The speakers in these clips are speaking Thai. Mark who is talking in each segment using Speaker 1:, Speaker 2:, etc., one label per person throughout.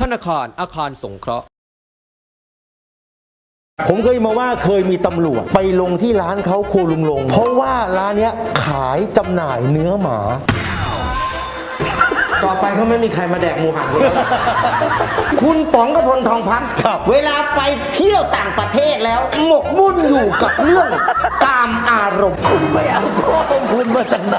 Speaker 1: นาคารอาคารสงเคราะห์
Speaker 2: ผมเคยมาว่าเคยมีตำรวจไปลงที่ร้านเขาโคลุงลงเพราะว่าร้านเนี้ยขายจำหน่ายเนื้อหมา
Speaker 3: ต่อไปเขาไม่มีใครมาแดกหมูหันคุณแล้วคุณป๋องกพลทองพัฒน์เวลาไปเที่ยวต่างประเทศแล้วหมกมุ่นอยู่กับเรื่องกามอารมณ์คุณไม่เอาข้อมูลมาจากไหน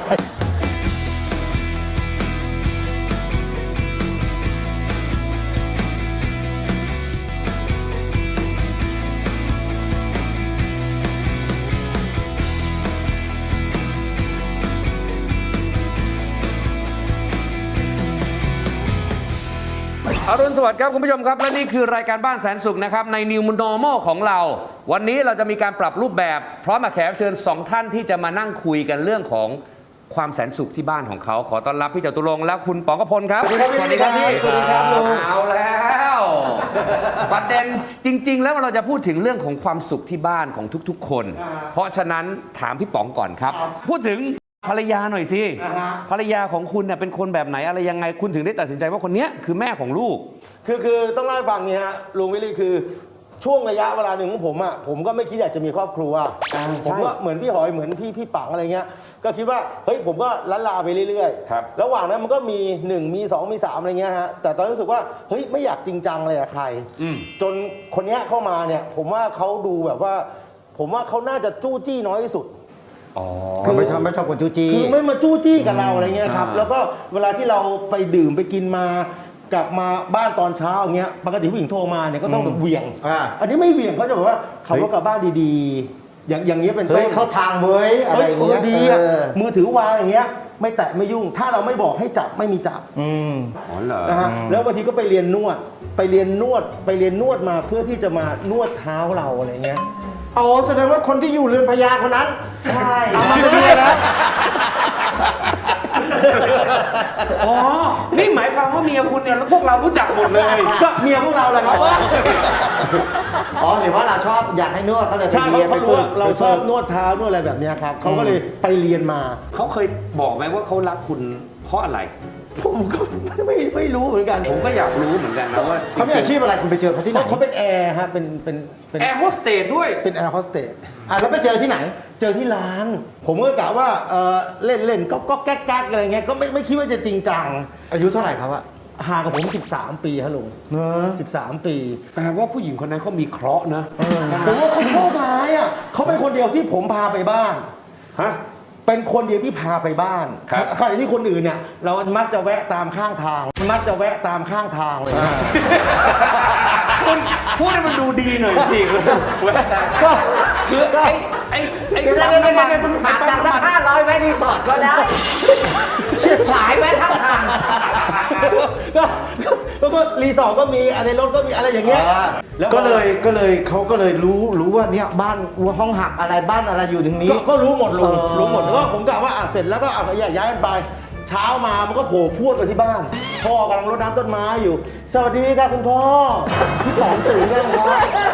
Speaker 4: อรุณสวัสดิ์ครับคุณผู้ชมครับและนี่คือรายการบ้านแสนสุขนะครับใน New Normal ของเราวันนี้เราจะมีการปรับรูปแบบพร้อมกับแขกรับเชิญ2ท่านที่จะมานั่งคุยกันเรื่องของความแสนสุขที่บ้านของเขาขอต้อนรับพี่จตุรงค์และคุณป๋องกพลครับสวัสดีครับพี่สวัสดีครับเอาแล้วประเด็นจริงๆแล้วเราจะพูดถึงเรื่องของความสุขที่บ้านของทุกๆคนเพราะฉะนั้นถามพี่ป๋องก่อนครับพูดถึงภรรยาหน่อยสิภรรยาของคุณเนี่ยเป็นคนแบบไหนอะไรยังไงคุณถึงได้ตัดสินใจว่าคนนี้คือแม่ของลูก
Speaker 2: คือต้องเล่าให้ฟังนี้ฮะลุงวิลลี่คือช่วงระยะเวลาหนึ่งของผมอ่ะผมก็ไม่คิดอยากจะมีครอบครัวผมก็เหมือนพี่หอยเหมือนพี่ปังอะไรเงี้ยก็คิดว่าเฮ้ยผมก็ล้านลาไปเรื่อยๆระหว่างนั้นมันก็มี1มี2มี3อะไรเงี้ยฮะแต่ตอนรู้สึกว่าเฮ้ยไม่อยากจริงจังเลยกับใครจนคนนี้เข้ามาเนี่ยผมว่าเขาดูแบบว่าผมว่าเขาน่าจะจู้จี้น้อยที่สุด
Speaker 3: คือไม่ชอบคนจู้จี้
Speaker 2: คือไม่มาจู้จี้กับเราอะไรเงี้ยครับแล้วก็เวลาที่เราไปดื่มไปกินมากลับมาบ้านตอนเช้าอย่างเงี้ยปกติผู้หญิงโทรมาเนี่ยก็ต้องแบบเหวี่ยงอันนี้ไม่เหวี่ยงเขาจะบอกว่าขับรถกลับบ้านดีๆอย่างเงี้ยเป็นต้น
Speaker 3: เข้าทางเว้ยอะไรอย่างเงี้ย
Speaker 2: ดีมือถือวางอย่างเงี้ยไม่แตะไม่ยุ่งถ้าเราไม่บอกให้จับไม่มีจับนะฮะแล้วบางทีก็ไปเรียนนวดมาเพื่อที่จะมานวดเท้าเราอะไรเงี้ย
Speaker 3: อ๋อแสดงว่าคนที่อยู่เรือนพญาคนนั้น
Speaker 2: ใช่
Speaker 3: เอามาด้วยแล้ว
Speaker 4: อ๋อนี่หมายความว่าเมียคุณเนี่ยพวกเรารู้จักหมดเลย
Speaker 2: ก็เมียพวกเราแหละครับ
Speaker 3: อ๋อเห็นว่าเราชอบอยากให้นวดเขาเลยไปเรียนไปฝึก
Speaker 2: เราชอบนวดเท้านวดอะไรแบบนี้ครับเขาก็เลยไปเรียนมา
Speaker 4: เขาเคยบอกไหมว่าเขารักคุณเพราะอะไร
Speaker 2: ผมก็ไม่รู้เหมือนกัน
Speaker 4: ผมก็อยากรู้เหมือนกันนะว่า
Speaker 3: เขามีอาชีพอะไรคุณไปเจอเขาที่ไหน
Speaker 2: เขาเป็นแอร์ฮะเป็น
Speaker 4: แอร์โฮสเตสด้วย
Speaker 2: เป็นแอร์โฮสเตส
Speaker 3: แล้วไปเจอที่ไหน
Speaker 2: เจอที่ร้านผมก็กะว่าเล่นก็แก๊กอะไรเงี้ยก็ไม่คิดว่าจะจริงจัง
Speaker 3: อายุเท่าไหร่ครับ
Speaker 2: ห่างกับผม13 ปีครับลุง13 ปี
Speaker 4: แปลว่าผู้หญิงคนนั้นเขามีเคราะห์นะ
Speaker 2: ผมว่าเขาโชคร้ายอ่ะเขาเป็นคนเดียวที่ผมพาไปบ้าน
Speaker 4: ฮะ
Speaker 2: เป็นคนเดียวที่พาไปบ้านขณะที่คนอื่นเนี่ยเรามักจะแวะตามข้างทางเลย
Speaker 4: คุณพูดให้มันดูดีหน่อยสิแวะ
Speaker 3: ก็
Speaker 4: คือไอ้
Speaker 3: ปั๊มน้ำมันหักตังค์สัก500แวะรีสอร์ทก็ได้เฉียบขายแวะข้างทาง
Speaker 2: ก็รีสอร์ทก็มีอะไรรถก็มีอะไรอย่างเงี้ย
Speaker 3: แล้วก็เลยเขาก็เลยรู้ว่าเนี่ยบ้านห้องหักอะไรบ้านอะไรอยู่ตรงนี้
Speaker 2: ก็รู้หมดรู้หมดแล้วก็ผมกะว่าเสร็จแล้วก็ย้ายกันไปเช้ามามันก็โผล่พรวดไปที่บ้านพ่อกำลังรดน้ำต้นไม้อยู่สวัสดีครับคุณพ่อพี่ป๋องตื่นยังครับ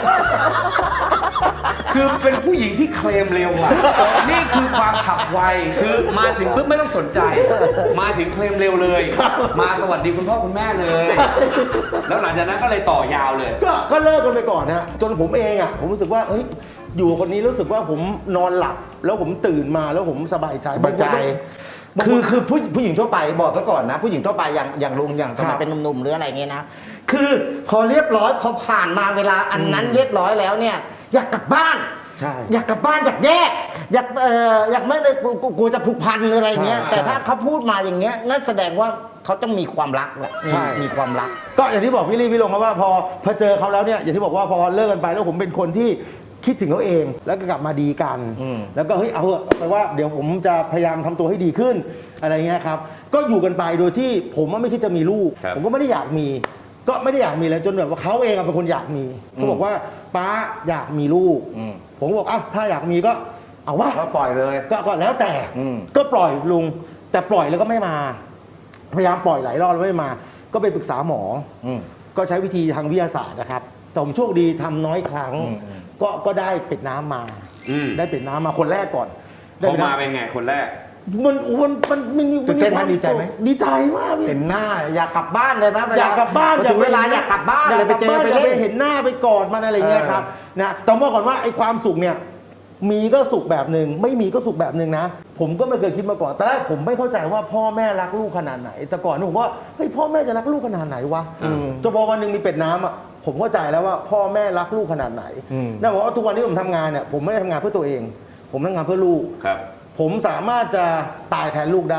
Speaker 4: คือเป็นผู้หญิงที่เคลมเร็วอ่ะนี่คือความฉับไวคือมาถึงปุ๊บไม่ต้องสนใจมาถึงเคลมเร็วเลยมาสวัสดีคุณพ่อคุณแม่เลยแล้วหลังจากนั้นก็เลยต่อยาวเลย
Speaker 2: ก็เลิกกันไปก่อนนะจนผมเองอ่ะผมรู้สึกว่าเฮ้ยอยู่คนนี้รู้สึกว่าผมนอนหลับแล้วผมตื่นมาแล้วผมสบายใจ
Speaker 3: คือผู้หญิงทั่วไปบอกซะก่อนนะผู้หญิงทั่วไปอย่างลุงอย่างสมัยเป็นหนุ่มๆหรืออะไรเงี้ยนะคือพอเรียบร้อยพอผ่านมาเวลาอันนั้นเรียบร้อยแล้วเนี่ยอยากกลับบ้านอยากกลับบ้านอยากแยกอยากไม่ได้กลัวจะผูกพันหรืออะไรเงี้ยแต่ถ้าเขาพูดมาอย่างเงี้ยงั้นแสดงว่าเขาต้องมีความรักแหละมีความรัก
Speaker 2: ก็อย่างที่บอกพี่ลี่พี่ลงครับว่าพอเจอเขาแล้วเนี่ยอย่างที่บอกว่าพอเลิกกันไปแล้วผมเป็นคนที่คิดถึงเขาเองแล้วก็กลับมาดีกันแล้วก็เฮ้ยเอาไปว่าเดี๋ยวผมจะพยายามทำตัวให้ดีขึ้นอะไรเงี้ยครับก็อยู่กันไปโดยที่ผมไม่คิดจะมีลูกผมก็ไม่ได้อยากมีแล้วจนแบบว่าเขาเองเป็นคนอยากมีเขาบอกว่าป้าอยากมีลูกผมก็บอกอ้าวถ้าอยากมีก็เอาว่า
Speaker 3: ก็ปล่อยเลย
Speaker 2: ก็แล้วแต่ก็ปล่อยลุงแต่ปล่อยแล้วก็ไม่มาพยายามปล่อยหลายรอบแล้วไม่มาก็ไปปรึกษาหมอก็ใช้วิธีทางวิทยาศาสตร์นะครับแต่ผมโชคดีทำน้อยครั้งก็ได้เป็ดน้ำมาได้เป็ดน้ำมาคนแรกก่อน
Speaker 4: เขามาเป็นไงคนแรก
Speaker 2: มัน
Speaker 3: ตื่นเต้นไหมดีใจไหม
Speaker 2: ดีใจมากพี่
Speaker 3: เห็นหน้าอยากกลับบ้านเลยไหม
Speaker 2: อยากกลับบ้าน
Speaker 3: พอถึงเวลาอยากกลับบ้านเลยไปเจอไป
Speaker 2: อยาก
Speaker 3: เล่น
Speaker 2: เห็นหน้าไปกอดมันอะไรเงี้ยครับนะแต่บอกก่อนว่าไอ้ความสุขเนี่ยมีก็สุขแบบหนึ่งไม่มีก็สุขแบบหนึ่งนะผมก็ไม่เคยคิดมาก่อนแต่แรกผมไม่เข้าใจว่าพ่อแม่รักลูกขนาดไหน แต่ก่อนผมว่าเฮ้ยพ่อแม่จะรักลูกขนาดไหนวะจนพอวันหนึ่งมีเป็ดน้ำอ่ะผมเข้าใจแล้วว่าพ่อแม่รักลูกขนาดไหนนั่นบอกว่าทุกวันที่ผมทำงานเนี่ยผมไม่ได้ทำงานเพื่อตัวเอง ผมทำงานเพื่อลูก
Speaker 4: ครับ
Speaker 2: ผมสามารถจะตายแทนลูกได้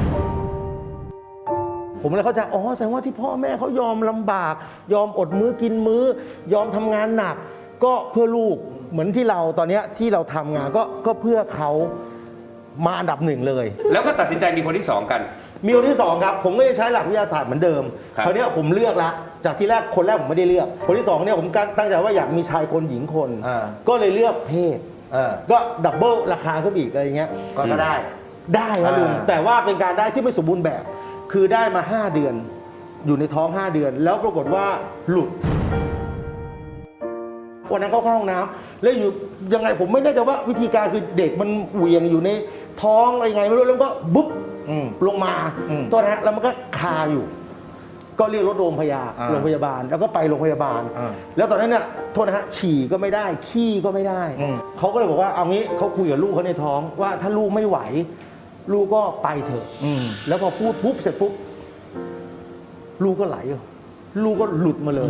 Speaker 2: ผมเลยเข้าใจอ๋อแสดงว่าที่พ่อแม่เขายอมลำบาก ยอมอดมื้อกินมื้อ ยอมทำงานหนัก ก็เพื่อลูกเหมือนที่เราตอนเนี้ยที่เราทำงานก็เพื่อเขามาอันดับหนึ่งเลย
Speaker 4: แล้วก็ตัดสินใจมีคนที่สองกัน
Speaker 2: มีคนที่สองครับผมก็จะใช้หลักวิทยาศาสตร์เหมือนเดิม
Speaker 4: ครับ
Speaker 2: คราวเนี้ยผมเลือกละจากที่แรกคนแรกผมไม่ได้เลือก คนที่สองเนี่ยผมตั้งใจว่าอยากมีชายคนหญิงคน ก็เลยเลือกเพศก็ดับเบิลราคาขึ้นอีกอะไรอย่างเงี้ย
Speaker 3: ก็ได้
Speaker 2: ได้ครับลุงแต่ว่าเป็นการได้ที่ไม่สมบูรณ์แบบ คือได้มา 5 เดือน อยู่ในท้อง 5 เดือน แล้วปรากฏว่าหลุดวันนั้นเข้าห้องน้ำแล้วอยู่ยังไงผมไม่แน่ใจว่าวิธีการคือเด็กมันเหวี่ยงอยู่ในท้องอะไรไงไม่รู้แล้วก็บุ๊บลงมาตัวนะฮะแล้วมันก็คาอยู่ ก็เรียกรถโรงพยาบาลแล้วก็ไปโรงพยาบาล แล้วตอนนั้นเนี่ยโทษนะฮะฉี่ก็ไม่ได้ขี้ก็ไม่ได้เขาก็เลยบอกว่าเอางี้เขาคุยกับลูกเขาในท้องว่าถ้าลูกไม่ไหว ลูกก็ไปเถอะแล้วพอพูดปุ๊บเสร็จปุ๊บลูกก็ไหลลูกก็หลุดมาเลย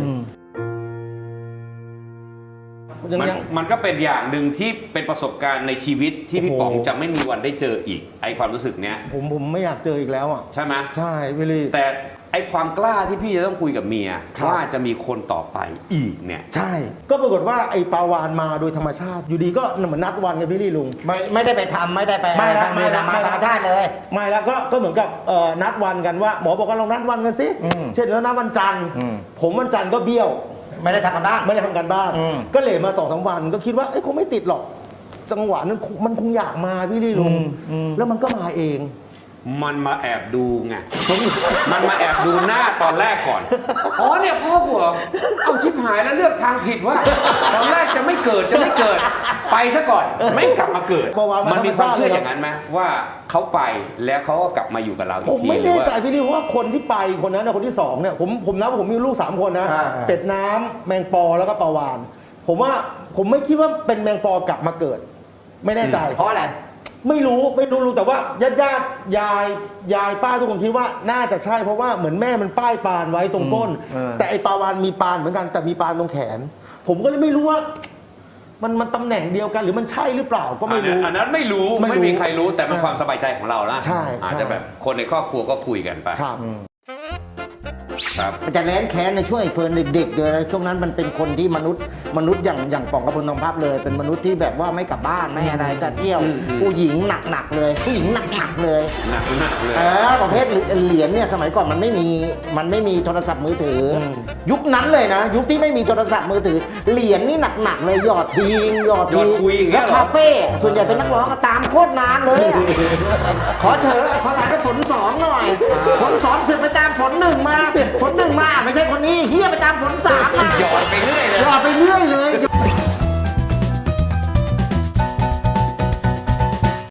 Speaker 4: มันก็เป็นอย่างหนึ่งที่เป็นประสบการณ์ในชีวิตที่พี่
Speaker 2: โอ้โห
Speaker 4: ป๋องจะไม่มีวันได้เจออีกไอความรู้สึกเนี้ย
Speaker 2: ผมไม่อยากเจออีกแล้วอ่ะ
Speaker 4: ใช่ไหม
Speaker 2: ใช่พี่ลี่
Speaker 4: แต่ไอความกล้าที่พี่จะต้องคุยกับเมีย
Speaker 2: ครับ
Speaker 4: ว่าจะมีคนต่อไปอีกเนี่ย
Speaker 2: ใช่ ก็ปรากฏว่าไอ้ปลาวานมาโดยธรรมชาติ อยู่ดีก็เหมือนนัดวันกับพี่ลี่ลุง
Speaker 3: ไม่ได้ไปทำไม่ได้ไป
Speaker 2: ไม่ละ
Speaker 3: ทำ
Speaker 2: ไม่ละ
Speaker 3: มาธรรมชาติเลย
Speaker 2: ไม่แล้วก็เหมือนกับนัดวันกันว่าหมอบอกว่าเรานัดวันกันสิเช่นแล้วนัดวันจันทร์ผมวันจันทร์ก็เบี้ยว
Speaker 3: ไม่ได้ทำกันบ้าน
Speaker 2: ไม่ได้ทำการบ้าน ก็เลทมา2-3 วันก็คิดว่าคงไม่ติดหรอก จังหวะนั้นมันคงอยากมาพี่ลี่ลุงแล้วมันก็มาเอง
Speaker 4: มันมาแอบดูไง มันมาแอบดูหน้าตอนแรกก่อน อ๋อเนี่ยพ่อผัวเอาชิบหายแล้วเลือกทางผิดว่าตอนแรกจะไม่เกิดไปซะก่อนไม่กลับมาเกิด มันมีความเชื่ออย่างนั้นไหมว่าเขาไปแล้วเขาก็กลับมาอยู่กับเราอี
Speaker 2: ผ
Speaker 4: ก
Speaker 2: ม
Speaker 4: ที
Speaker 2: ไม่
Speaker 4: หรือ
Speaker 2: แน่
Speaker 4: ว่า
Speaker 2: ใจพี่ลี่เพราะว่าคนที่ไปคนนั้นนะคนที่2เนี่ยผมนับว่าผมมีลูก3คนนะเป็ดน้ำแมงปอแล้วก็ปลาวาน ผมว่าผมไม่คิดว่าเป็นแมงปอกลับมาเกิด ไม่แน่ใจ
Speaker 3: เพราะอะไร
Speaker 2: ไม่รู้แต่ว่าญาติยายป้าทุกคนคิดว่าน่าจะใช่เพราะว่าเหมือนแม่มันป้ายปานไว้ตรงก้น แต่ไอ้ปลาวานมีปานเหมือนกันแต่มีปานตรงแขน ผมก็เลยไม่รู้ว่า มันตำแหน่งเดียวกันหรือมันใช่หรือเปล่าก็ไม่รู้
Speaker 4: อันนั้นไม่รู้
Speaker 2: ไม่รู้
Speaker 4: ไม่มีใครรู้แต่เป็น
Speaker 2: ใช่
Speaker 4: ความสบายใจของเราละ
Speaker 2: ใช่
Speaker 4: อาจจะแบบคนในครอบครัวก็คุยกันไป
Speaker 2: ครับ
Speaker 4: ครับ
Speaker 3: มันจะแร้นแค้นในช่วงไอ้เฟิร์นเด็กๆเลยช่วงนั้นมันเป็นคนที่มนุษย์อย่างป๋องกระพลทองพับเลย เป็นมนุษย์ที่แบบว่าไม่กลับบ้านไม่อะไรจะเที่ยว ผู้หญิงหนักๆเลยผู้หญิงหนักๆเลย
Speaker 4: หนักเลย
Speaker 3: ประเภทเหรียญเนี่ยสมัยก่อนมันไม่มีโทรศัพท์มือถืออยุคนั้นเลยนะ ยุคที่ไม่มีโทรศัพท์มือถือเหรียญนี่หนักๆเลยหยอดทิ้ง
Speaker 4: หยอดคุยอย่างเงี้
Speaker 3: แล้
Speaker 4: ยว เหรอ
Speaker 3: คาเฟ่ส่วนใหญ่เป็นนักร้องก็ตามโคตรนานเลยอะขอถ่ายไปฝนสองหน่อยฝนสองเสือกไปตามฝนหนึ่งมาฝนหนึ่งมาไม่ใช่คนนี้เฮียไปตามฝนสามมา
Speaker 4: หยอด